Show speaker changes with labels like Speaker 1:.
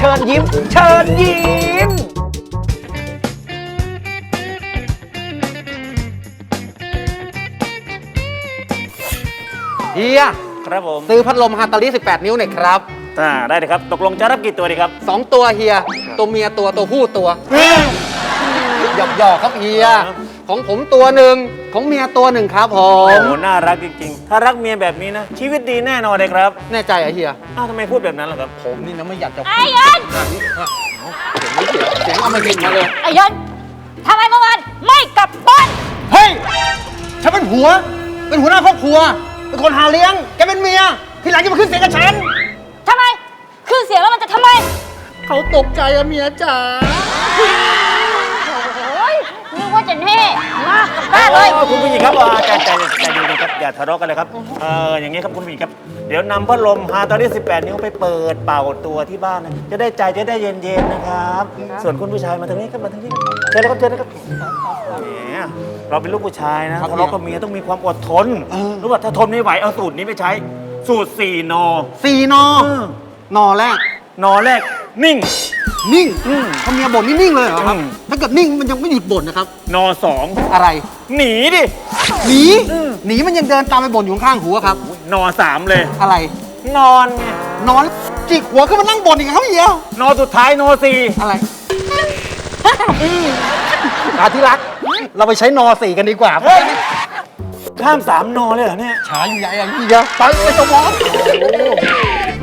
Speaker 1: ชิญยิ้มเชิญยิ้มเฮีย
Speaker 2: ครับผม
Speaker 1: ซื้อพัดลมฮาตาลิ18 นิ้วหน่อยครับ
Speaker 2: ได้เลยครับตกลงจะรับกี่ตัวดีครับ
Speaker 1: 2 ตัวเฮียตัวเมียตัวผู้ตัวหยอกครับเฮียของผมตัวหนึ่งของเมียตัวหนึ่งครับผ
Speaker 2: โอ้
Speaker 1: ม
Speaker 2: โหน่ารักจริงๆ ถ้ารักเมียแบบนี้นะ ชีวิตดีแน่นอนเลยครับ
Speaker 1: แน่ใจเหรอเฮีย
Speaker 2: อ้าวทำไมพูดแบบนั้นล่ะครับ
Speaker 1: ผมนี่นะไม่อยากจะ
Speaker 3: ไอ้ยัน
Speaker 1: เสียงเอามาเห็นมาเลย
Speaker 3: ไอ้ยันทำไมเมื่อวานไม่กลับบ้าน
Speaker 1: เฮ้ยฉันเป็นหัวหน้าครอบครัวเป็นคนหาเลี้ยงแกเป็นเมียทีหลังจะมาขึ้นเสียงกับฉัน
Speaker 3: ทำไมคือเสียงแล้วมันจะทำไม
Speaker 1: เขาตกใจอะเมียจ๋า
Speaker 3: โอ้ยนึกว่าจะแน่มากกลับบ้านเลย
Speaker 2: คุณผู้หญิงครับใจเย็นๆครับอย่าทะเลาะกันเลยครับอย่างนี้ครับคุณผู้หญิงครับเดี๋ยวนำพัดลมฮาตอนนี้18 นิ้วไปเปิดเป่าตัวที่บ้านนะจะได้ใจจะได้เย็นๆนะครับ ส่วนคุณผู้ชายมาทางนี้ครับมาทางนี้ครับเชิญเลยครับเชิญเลยครับแหมเราเป็นลูกผู้ชายนะทะเลาะกับเมียต้องมีความอดทนรู้ป่ะถ้าทนไม่ไหวเอาสูตรนี้ไปใช้สูตร4 น
Speaker 1: 4 น นอแรก
Speaker 2: นอแรกนิ่ง
Speaker 1: นิ่งถ้าเมียบ่นนี่นิ่งเลยเหรอครับ
Speaker 2: อืม
Speaker 1: ถ้าเกิดนิ่งมันยังไม่หยุดบ่นนะครับ
Speaker 2: นอสอง
Speaker 1: อะไร
Speaker 2: หนีดิ
Speaker 1: หนีหนีมันยังเดินตามไปบ่นอยู่ข้างๆหัวครับ
Speaker 2: นอสามเลย
Speaker 1: อะไร
Speaker 2: นอนไง
Speaker 1: นอนจิกหัวขึ้นมานั่งบ่นอีกครับเฮีย
Speaker 2: นอสุดท้ายนอสี่
Speaker 1: อะไรอาที่รัก เราไปใช้นอ4กันดีกว่า
Speaker 2: ข้าม3 นอเลยเหรอเนี่ย
Speaker 1: ช้าอยู่ใหญ่อะเฮียไปสมอง